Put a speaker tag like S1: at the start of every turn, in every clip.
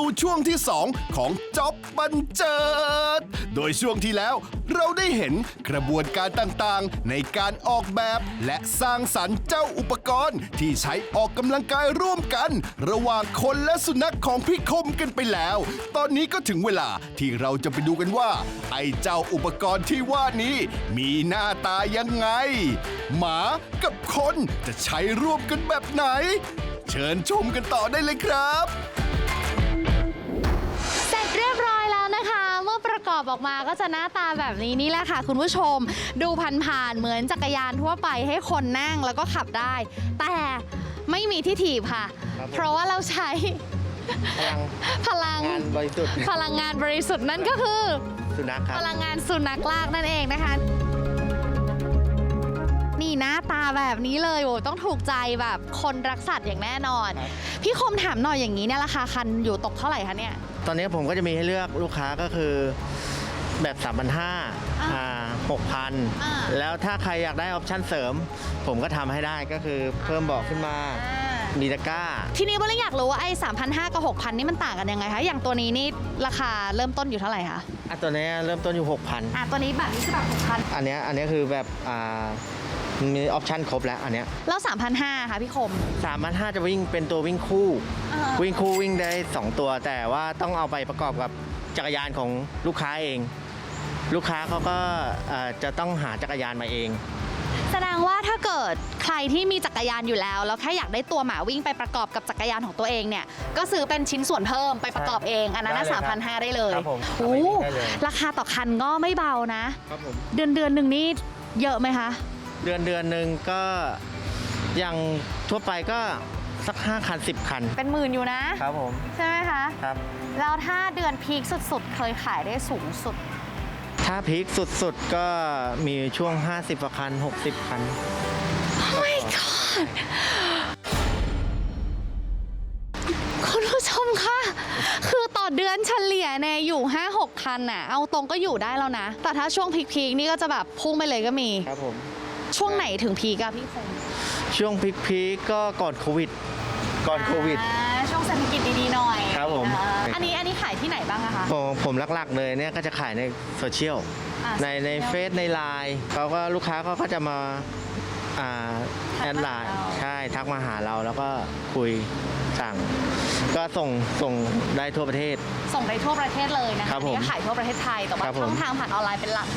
S1: สู่ช่วงที่ 2 ของจ๊อบบันเจิด โดยช่วงที่แล้วเราได้เห็นกระบวนการต่างๆ ในการออกแบบและสร้างสรรค์เจ้าอุปกรณ์ที่ใช้ออกกำลังกายร่วมกัน ระหว่างคนและสุนัขของพี่คมกันไปแล้ว ตอนนี้ก็ถึงเวลาที่เราจะไปดูกันว่า ไอ้เจ้าอุปกรณ์ที่ว่านี้มีหน้าตายังไง หมากับคนจะใช้ร่วมกันแบบไหน เชิญชมกันต่อได้เลยครับ
S2: เสร็จเรียบร้อยแล้วนะคะ เมื่อประกอบออกมาก็จะหน้าตาแบบนี้นี่แหละค่ะคุณผู้ชม ดูผ่านๆเหมือนจักรยานทั่วไปให้คนนั่งแล้วก็ขับได้ แต่ไม่มีที่ถีบค่ะ เพราะว่าเราใช้พลัง
S3: งานบริสุทธิ์
S2: พลังงานบริสุทธิ์นั่นก็คือ
S3: สุนัขครับ
S2: พลังงานสุนัขลากนั่นเองนะคะ นี่หน้าตาแบบนี้เลยโอ้ต้องถูกใจแบบคนรักสัตว์อย่างแน่นอน พี่คมถามหน่อยอย่างนี้เนี่ยราคาคันอยู่ตกเท่าไหร่คะเนี่ย
S3: ตอนนี้ผมก็จะมีให้เลือกลูกค้าก็คือแบบ 6,000 แล้วถ้าใครอยากได้ออปชั่นเสริม ผมก็ทำให้ได้ก็คือเพิ่มเบาะขึ้นมา มีตะกร้า
S2: ทีนี้โบเลยอยากรู้ว่าไอ้ 3,500 กับ 6,000 นี่มันต่างกันยังไงคะ อย่างตัวนี้นี่ราคาเริ่มต้นอยู่เท่าไหร่คะ
S3: ตัวนี้เริ่มต้นอยู่ 6,000
S2: ตัวนี้แบบนี้คือแบบ 6,000
S3: อันนี้คือแบบมีออปชั่นครบแล้วอันเนี้ย
S2: แล้ว 3,500 ค่ะพี่คม
S3: 3,500 จะวิ่งเป็นตัววิ่งคู่ วิ่งได้ 2 ตัว แต่ว่าต้องเอาไปประกอบกับจักรยานของลูกค้าเอง ลูกค้าเขาก็จะต้องหาจักรยานมาเอง
S2: แสดงว่าถ้าเกิดใครที่มีจักรยานอยู่แล้วแล้วแค่อยากได้ตัวหมาวิ่งไปประกอบกับจักรยานของตัวเองเนี่ยก็ซื้อเป็นชิ้นส่วนเพิ่มไปประกอบเองอันนั้น 3,500 ได้เลย
S3: ครับผม
S2: โอ้
S3: ได้เลย
S2: ราคาต่อคันก็ไม่เบานะ
S3: ครับผม
S2: เดือนหนึ่งนี่เยอะไหมคะ
S3: เดือนหนึ่งก็อย่างทั่วไปก็สัก5 คัน 10 คัน
S2: เป็นหมื่นอยู่นะ
S3: ครับผม
S2: ใช่ไหมคะ
S3: ครับ
S2: แล้วถ้าเดือนพีคสุดๆ เคยขายได้สูงสุด
S3: ถ้าพีคสุดๆก็มีช่วง 50 กว่าคัน 60 คัน
S2: my god คุณผู้ชมคะคือต่อเดือนเฉลี่ยเนี่ยอยู่ 5-6 คันน่ะเอาตรงก็อยู่ได้แล้วนะ แต่ถ้าช่วงพีคๆนี่ก็จะแบบพุ่งไปเลยก็มี
S3: ครับผม
S2: ช่วงไหนถึงพีกอะพี่คง
S3: ช่วงพีคก็ก่อนโควิด
S2: ช่วงเศรษฐกิจดีๆหน่อย
S3: ครับผม
S2: อันนี้ขายที่ไหนบ้างอะคะ
S3: ผมหลักๆเลยเนี่ยก็จะขายในโซเชียล ในเฟซในไลน์เขาก็ลูกค้าเขาก็จะมาแอดไลน์ใช่ทักมาหาเราแล้วก็คุยสั่ง ก็ส่งได้ทั่วประเทศ
S2: ส่งได้ทั่วประเทศเลยนะคะ
S3: ครับผม
S2: นี่ก็ขายทั่วประเทศไทยแต่ว่า
S3: ครับผม
S2: ช่องทางผ่านออนไลน์เป็นหลัก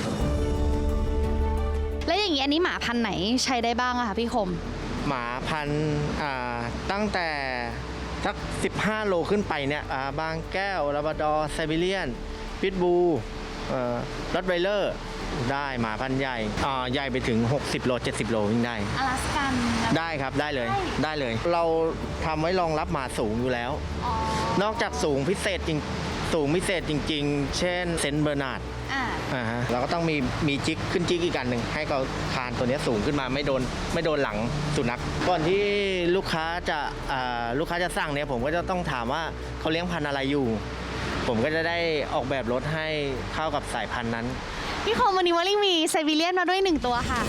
S2: แล้วอย่างนี้อันนี้หมาพันธุ์ไหนใช้ได้บ้างอะคะพี่คม
S3: หมาพันธุ์ตั้งแต่สัก 15 โลขึ้นไปเนี่ยบางแก้วลาบราดอร์ไซบีเรียนพิทบูรอตไวเลอร์ได้หมาพันธุ์ใหญ่ใหญ่ไปถึง 60 โล 70 โลวิ่งได้
S2: อลาสกัน
S3: ได้ครับได้เลย
S2: ได้
S3: ได้เลย เราทำไว้รองรับหมาสูงอยู่แล้ว
S2: อ๋อน
S3: อกจากสูงพิเศษจริงๆ เช่นเซนต์เบอร์นาร์ด เราก็ต้องมีจิ๊กขึ้นจิ๊กอีกอันหนึ่งให้เขาคานตัวนี้สูงขึ้นมาไม่โดนหลังสุนัขก่อนที่ลูกค้าจะสั่งเนี่ยผมก็จะต้องถามว่าเขาเลี้ยงพันธุ์อะไรอยู่ ผมก็จะได้ออกแบบรถให้เข้ากับสายพันธุ์นั้น
S2: พี่คมวันนี้วอลลิ่งมีไซบีเรียนมาด้วย1 ตัวค่ะ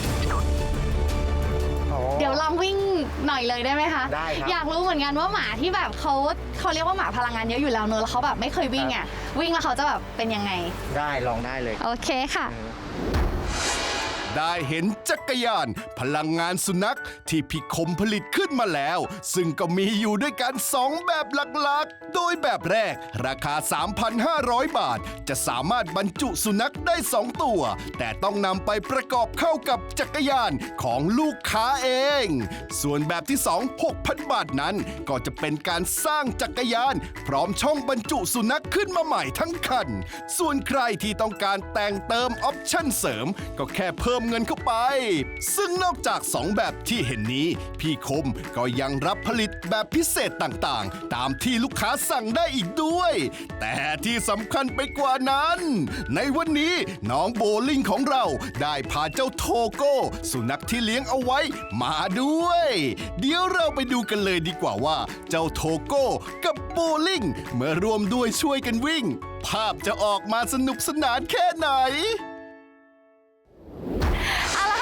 S2: เดี๋ยวลองวิ่งหน่อยเลยได้ไหมคะ
S3: ได้ครับ
S2: อยากรู้เหมือนกันว่าหมาที่แบบเขาเรียกว่าหมาพลังงานเยอะอยู่แล้วเนอะแล้วเขาแบบไม่เคยวิ่งอ่ะวิ่งแล้วเขาจะแบบเป็นยังไง
S3: ได้ลองได้เลย
S2: โอเคค่ะ
S1: ได้เห็นจักรยานพลังงานสุนัขที่พี่คมผลิตขึ้นมาแล้ว ซึ่งก็มีอยู่ด้วยกัน 2 แบบหลักๆ โดยแบบแรกราคา 3,500 บาท จะสามารถบรรจุสุนัขได้ 2 ตัว แต่ต้องนำไปประกอบเข้ากับจักรยานของลูกค้าเอง ส่วนแบบที่ 2 6,000 บาทนั้น ก็จะเป็นการสร้างจักรยาน พร้อมช่องบรรจุสุนัขขึ้นมาใหม่ทั้งคัน ส่วนใครที่ต้องการแต่งเติมออปชั่นเสริม ก็แค่เพิ่มเงินเข้าไป ซึ่งนอกจาก 2 แบบที่เห็นนี้ พี่คมก็ยังรับผลิตแบบพิเศษต่างๆ ตามที่ลูกค้าสั่งได้อีกด้วย แต่ที่สำคัญไปกว่านั้น ในวันนี้น้องโบลิ่งของเราได้พาเจ้าโทโก้สุนัขที่เลี้ยงเอาไว้มาด้วย เดี๋ยวเราไปดูกันเลยดีกว่าว่าเจ้าโทโก้กับโบลิ่งเมื่อรวมด้วยช่วยกันวิ่ง ภาพจะออกมาสนุกสนานแค่ไหน
S2: เอาละค่ะคุณผู้ช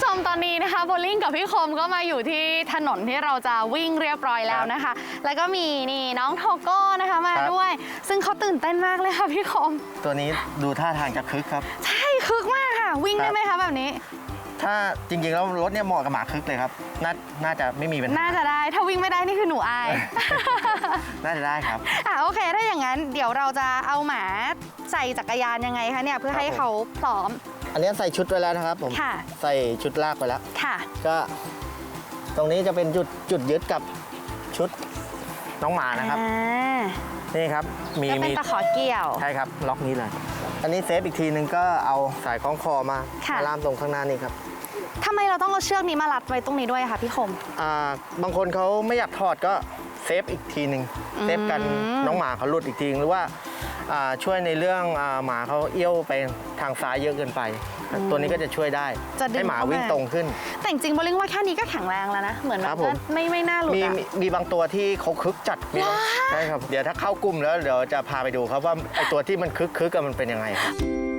S2: ชมตอนนี้นะคะโบลิ่งกับพี่คมก็มาอยู่ที่ถนนที่เราจะวิ่งเรียบร้อยแล้วนะคะ แล้วก็มีนี่น้องโทโก้นะคะมาด้วย ซึ่งเขาตื่นเต้นมากเลยค่ะพี่คม
S3: ตัวนี้ดูท่าทางจะคึกครับ
S2: ใช่คึกมากค่ะ วิ่งได้ไหมคะแบบนี้
S3: ถ้าจริงๆแล้วรถเนี่ยเหมาะกับหมาคึกเลยครับ น่าจะไม่มีปัญหา
S2: น่าจะได้ถ้าวิ่งไม่ได้นี่คือหนูอาย
S3: น่าจะได้ครับ
S2: โอเคถ้าอย่างนั้นเดี๋ยวเราจะเอาหมาใส่จักรยานยังไงคะเนี่ยเพื่อให้เขาพร้อม
S3: อันนี้ใส่ชุดไว้แล้วนะครับผม
S2: ค่ะ
S3: ใส่ชุดลากไปแล้ว
S2: ค่ะ
S3: ก็ตรงนี้จะเป็นจุดยึดกับชุดน้องหมานะครับ นี่ครับมี
S2: ก็เป็นตะขอเกี่ยว
S3: ใช่ครับล็อกนี้เลย อันนี้เซฟอีกทีนึงก็เอาสายคล้องคอมา
S2: ค่ะ
S3: ล่ามตรงข้างหน้านี่ครับ
S2: ทำไมเราต้องเอาเชือกนี้มารัดไว้ตรงนี้ด้วยคะพี่คม
S3: บางคนเขาไม่อยากถอดก็เซฟอีกทีหนึ่งเซฟกันน้องหมาเขาหลุดอีกทีนึงหรือว่าช่วยในเรื่องหมาเขาเอี้ยวไปทางซ้ายเยอะเกินไป ตัวนี้ก็จะช่วยได้
S2: จะดึง
S3: ให้หมา
S2: เข้ามา
S3: วิ่งตรงขึ้น
S2: แต่จริงๆโบลิ่งว่าแค่นี้ก็แข็งแรงแล้วนะ เหมือนแบ
S3: ครับ บผม
S2: ไม่น่าหลุด
S3: มี
S2: อะ
S3: มีบางตัวที่เขาคึกจัดมีใช่ครับเดี๋ยวถ้าเข้ากลุ่มแล้วเดี๋ยวจะพาไปดูครับว่าไอตัวที่มันคึกมันเป็นยังไงครับ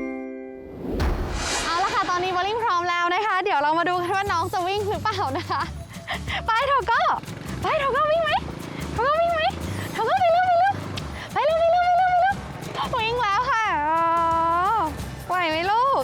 S2: เอาละค่ะ ตอนนี้โบลิ่งพร้อมแล้วนะคะ เดี๋ยวเรามาดูกันว่าน้องจะวิ่งหรือเปล่านะคะ ไปโทโก้ไปโทโก้วิ่งไหมโทโก้วิ่งไหมโทโก้ไปเร็วไปเร็ววิ่งแล้วค่ะอ๋อไหวไหมลูก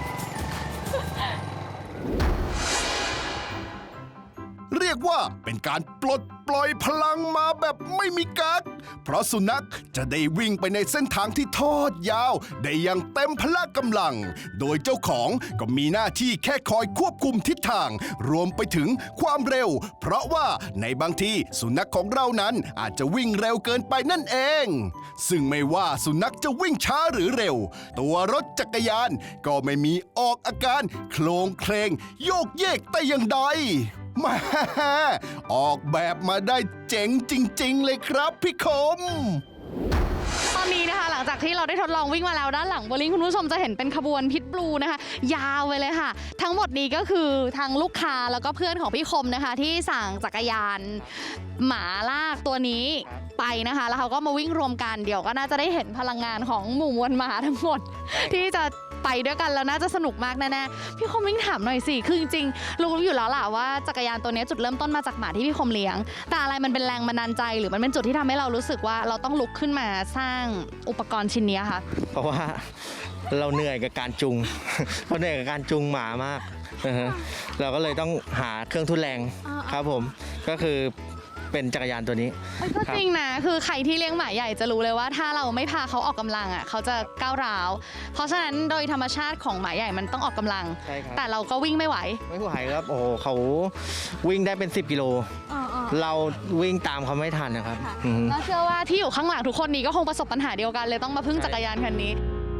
S1: เรียกว่าเป็นการปลดปล่อยพลังมาแบบไม่มีกั๊กเพราะสุนัขจะได้วิ่งไปในเส้นทางที่ทอดยาว ได้อย่างเต็มพละกำลัง โดยเจ้าของก็มีหน้าที่แค่คอยควบคุมทิศทาง รวมไปถึงความเร็ว เพราะว่าในบางทีสุนัขของเรานั้นอาจจะวิ่งเร็วเกินไปนั่นเอง ซึ่งไม่ว่าสุนัขจะวิ่งช้าหรือเร็ว ตัวรถจักรยานก็ไม่มีออกอาการโคลงเคลงโยกเยกแต่อย่างใด แม่ออกแบบมาได้เจ๋งจริงๆเลยครับพี่คม
S2: ตอนนี้นะคะหลังจากที่เราได้ทดลองวิ่งมาแล้วด้านหลังโบลิ่งคุณผู้ชมจะเห็นเป็นขบวนพิทบลูนะคะยาวไปเลยค่ะ ทั้งหมดนี้ก็คือทางลูกค้าแล้วก็เพื่อนของพี่คมนะคะ ที่สั่งจักรยานหมาลากตัวนี้ไปนะคะ แล้วเขาก็มาวิ่งรวมกันเดี๋ยวก็น่าจะได้เห็นพลังงานของหมู่มวลหมาทั้งหมด ที่จะไปด้วยกันแล้วน่าจะสนุกมากแน่ๆพี่คมวิ่งถามหน่อยสิคือจริงๆรู้อยู่แล้วล่ะว่าจักรยานตัวนี้จุดเริ่มต้นมาจากหมาที่พี่คมเลี้ยงแต่อะไรมันเป็นแรงบันดาลใจหรือมันเป็นจุดที่ทำให้เรารู้สึกว่าเราต้องลุกขึ้นมาสร้างอุปกรณ์ชิ้นนี้ค่ะ
S3: เพราะว่าเราเหนื่อยกับการจูง เราเหนื่อยกับการจูงหมามากนะฮะเราก็เลยต้องหาเครื่องทุนแรงครับผมก็คือเป็นจักรยานตัวนี้
S2: มันก็จริงนะคือใครที่เลี้ยงหมาใหญ่จะรู้เลยว่าถ้าเราไม่พาเขาออกกำลังอ่ะเขาจะก้าวร้าวเพราะฉะนั้นโดยธรรมชาติของหมาใหญ่มันต้องออกกำลัง
S3: ใช่ครับ
S2: แต่เราก็วิ่งไม่ไหว
S3: ไม่ไหวครับโอ้โหเขาวิ่งได้เป็น10 กิโลเราวิ่งตามเขาไม่ทันนะครับอือฮึ
S2: แล้วเชื่อว่าที่อยู่ข้างหลังทุกคนนี้ก็คงประสบปัญหาเดียวกันเลยต้องมาพึ่งจักรยานคันนี้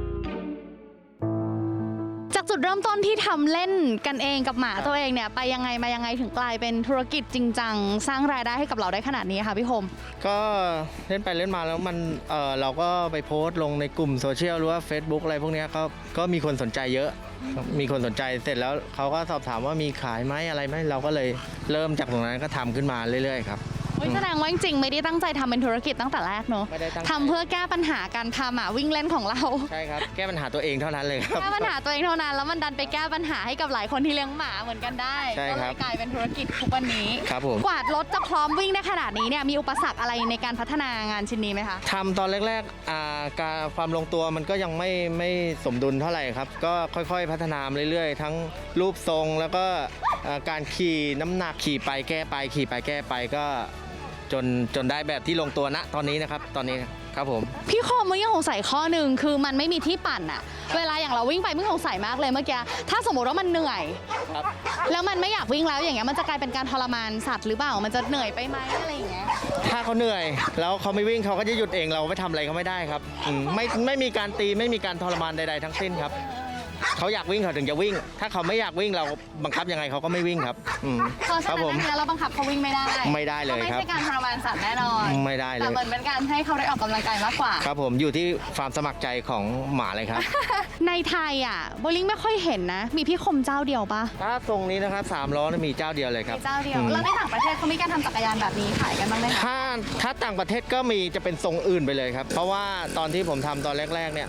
S2: จากจุดเริ่มต้นที่ทำเล่นกันเองกับหมาตัวเองเนี่ยไปยังไงมายังไงถึงกลายเป็นธุรกิจจริงจังสร้างรายได้ให้กับเราได้ขนาดนี้ค่ะพี่คม
S3: ก็เล่นไปเล่นมาแล้วมันเราก็ไปโพสต์ลงในกลุ่มโซเชียลหรือว่า Facebook อะไรพวกเนี้ยก็มีคนสนใจเยอะ มีคนสนใจเสร็จแล้วเขาก็สอบถามว่ามีขายไหมอะไรไหมเราก็เลยเริ่มจากตรงนั้นก็ทำขึ้นมาเรื่อยๆครับ
S2: แสดงว่าจริงๆไม่ได้ตั้งใจทำเป็นธุรกิจตั้งแต่แรกเนอะ
S3: ไม่ได้ตั้งใจ
S2: ทำเพื่อแก้ปัญหาการพาหมาวิ่งเล่นของเรา
S3: ใช่ครับแก้ปัญหาตัวเองเท่านั้นเลยครับ
S2: แก้ปัญหาตัวเองเท่านั้นแล้วมันดันไปแก้ปัญหาให้กับหลายคนที่เลี้ยงหมาเหมือนกันได้
S3: ใช่
S2: ก็
S3: ค
S2: เล
S3: รับ
S2: ยกลายเป็นธุรกิจทุกวันนี้
S3: ครับผม
S2: กวาดรถจะพร้อมวิ่งได้ขนาดนี้เนี่ยมีอุปสรรคอะไรในการพัฒนางานชิ้นนี้ไหมคะ
S3: ทำตอนแรกๆการความลงตัวมันก็ยังไม่สมดุลเท่าไหร่ครับ ก็ค่อยๆพัฒนามาเรื่อยๆ ทั้งรูปทรงแล้วก็การขี่น้ำหนักขี่ไปแก้ไปขี่ไปแก้ไปก็จนได้แบบที่ลงตัวณตอนนี้นะครับตอนนี้ครับผม
S2: พี่คมมึงยังสงสัยข้อหนึ่งคือมันไม่มีที่ปั่นอะเวลาอย่างเราวิ่งไปมึงสงสัยมากเลยเมื่อกี้ถ้าสมมติว่ามันเหนื่อย
S3: ครับ
S2: แล้วมันไม่อยากวิ่งแล้วอย่างเงี้ยมันจะกลายเป็นการทรมานสัตว์หรือเปล่ามันจะเหนื่อยไปไหมอะไรอย่างเงี้ย
S3: ถ้าเขาเหนื่อยแล้วเขาไม่วิ่งเขาก็จะหยุดเองเราไม่ทำอะไรเขาไม่ได้ครับไม่มีการตีไม่มีการทรมานใดๆทั้งสิ้นครับเขาอยากวิ่งเขาถึงจะวิ่ง ถ้าเขาไม่อยากวิ่งเราบังคับยังไงเขาก็ไม่วิ่งครับ
S2: เพราะฉะ
S3: ครับ
S2: นั้น
S3: ผม
S2: เนี่ยเราบังคับเขาวิ่งไม่ได้
S3: ไม่ได้เลยครับ
S2: ไม่ใช่การทรมานสัตว์แน่นอน
S3: ไม่ได้เล
S2: แต่
S3: ย
S2: เหมือนเป็นการให้เขาได้ออกกำลังกายมากกว่า
S3: ครับผมอยู่ที่ความสมัครใจของหมาเลยครับ
S2: ในไทยอ่ะโบลิ่งไม่ค่อยเห็นนะ มีพี่คมเจ้าเดียวปะ
S3: ถ้าทรงนี้นะครับ3 ล้อมีเจ้าเดียวเลยครับ
S2: มีเจ้าเดียว
S3: อืม
S2: แล้วในต่างประเทศเขามีการทำจักรยานแบบนี้ขายกันบ้างไหมคะ
S3: ถ้าต่างประเทศก็มีจะเป็นทรงอื่นไปเลยครับ เพราะว่าตอนที่ผมทำตอนแรกๆเนี่ย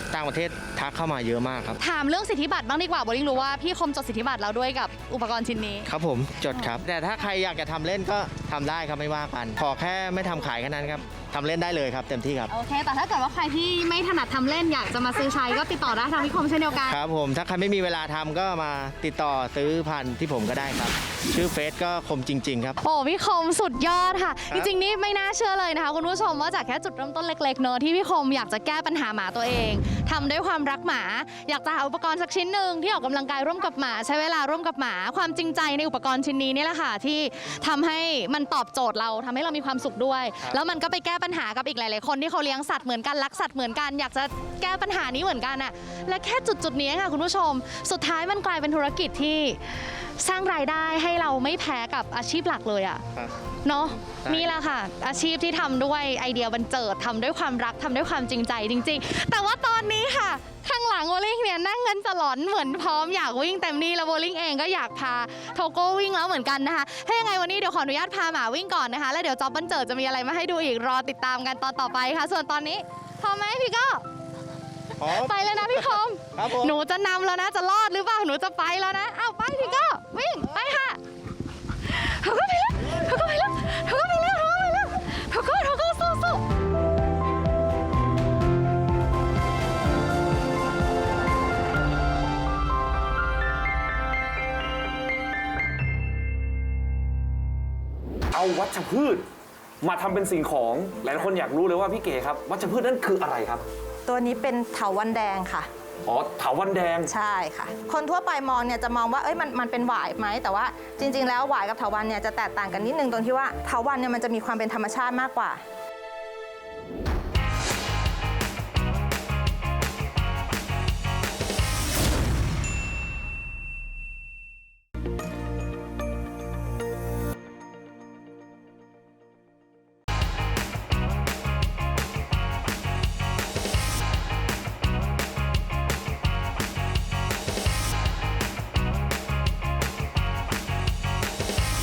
S3: ต่างประเทศทักเข้ามาเยอะมากครับ
S2: ถามเรื่องสิทธิบัตรบ้างดีกว่าโบลิ่งรู้ว่าพี่คมจดสิทธิบัตรแล้วด้วยกับอุปกรณ์ชิ้นนี้
S3: ครับผมจดครับ แต่ถ้าใครอยากจะทำเล่นก็ทำได้ครับไม่ว่ากัน ขอแค่ไม่ทำขายแค่นั้นครับทำเล่นได้เลยครับเต็มที่ครับ
S2: โอเค แต่ถ้าเกิดว่าใครที่ไม่ถนัดทำเล่นอยากจะมาซื้อใช้ก็ติดต่อได้ทางพี่คมเช่นเดียวกัน
S3: ครับผมถ้าใครไม่มีเวลาทำก็มาติดต่อซื้อพันธุ์ที่ผมก็ได้ครับ ชื่อเฟซก็คมจริง ๆ ครับ
S2: โอ้พี่คมสุดยอดค่ะ
S3: ครั
S2: จ
S3: บ
S2: ริงๆนี่ไม่น่าเชื่อเลยนะคะคุณผู้ชมว่าจากแค่จุดเริ่มต้นเล็กๆเนอะที่พี่คมอยากจะแก้ปัญหาหมาตัวเองทำด้วยความรักหมา อยากจะหาอุปกรณ์สักชิ้นหนึ่งที่ออกกำลังกายร่วมกับหมา ใช้เวลาร่วมกับหมา ความจริงใจในอุปกรณ์ชิ้นนี้นี่แหละค่ะที่ทำให้มันตอบโจทย์เราทำให้เรามีความสุขด้วย แล้วมันก็ไปแก้ปัญหากับอีกหลายๆคนที่เขาเลี้ยงสัตว์เหมือนกันรักสัตว์เหมือนกันอยากจะแก้ปัญหานี้เหมือนกันอะและแค่จุดๆนี้ค่ะคุณผู้ชม สุดท้ายมันกลายเป็นธุรกิจที่สร้างรายได้ให้เราไม่แพ้กับอาชีพหลักเลยอะ
S3: ครับ
S2: เนาะ
S3: ใช่
S2: นี่แหละค่ะ อาชีพที่ทำด้วยไอเดียบันเจิดทำด้วยความรักทำด้วยความจริงใจจริง ๆ แต่ว่าตอนนี้ค่ะ ข้างหลังโบลิ่งเนี่ยนั่งเงินสลอนเหมือนพร้อมอยากวิ่งเต็มที่แล้วโบลิ่งเองก็อยากพาโทโก้วิ่งแล้วเหมือนกันนะคะถ้ายังไงวันนี้เดี๋ยวขออนุญาตพาหมาวิ่งก่อนนะคะแล้วเดี๋ยวจอบบันเจิดจะมีอะไรมาให้ดูอีกรอติดตามกันตอนต่อไปค่ะ ส่วนตอนนี้พร้อมไหมพี่ก็ ไปเลยนะพี่คม
S3: ครับผม
S2: หนูจะนำแล้วนะจะรอดหรือเปล่าหนูจะไปแล้วนะเอาไปพี่ก็วิ่งไปค่ะเขาก็ไปแล้วเขาก็ไปแล้วเขาก็ไปแล้วเขาก็ไปแล้วเขาก็สู้
S4: เอาวัชพืชมาทำเป็นสิ่งของหลายคนอยากรู้เลยว่าพี่เก๋ครับวัชพืชนั้นคืออะไรครับ
S5: ตัวนี้เป็นเถาวัลย์แดงค่ะ
S4: อ๋อเถาวัลย์แดง
S5: ใช่ค่ะ คนทั่วไปมองเนี่ยจะมองว่ามันเป็นหวายไหมแต่ว่าจริง ๆ แล้วหวายกับเถาวัลย์เนี่ยจะแตกต่างกันนิดนึงตรงที่ว่าเถาวัลย์เนี่ยมันจะมีความเป็นธรรมชาติมากกว่า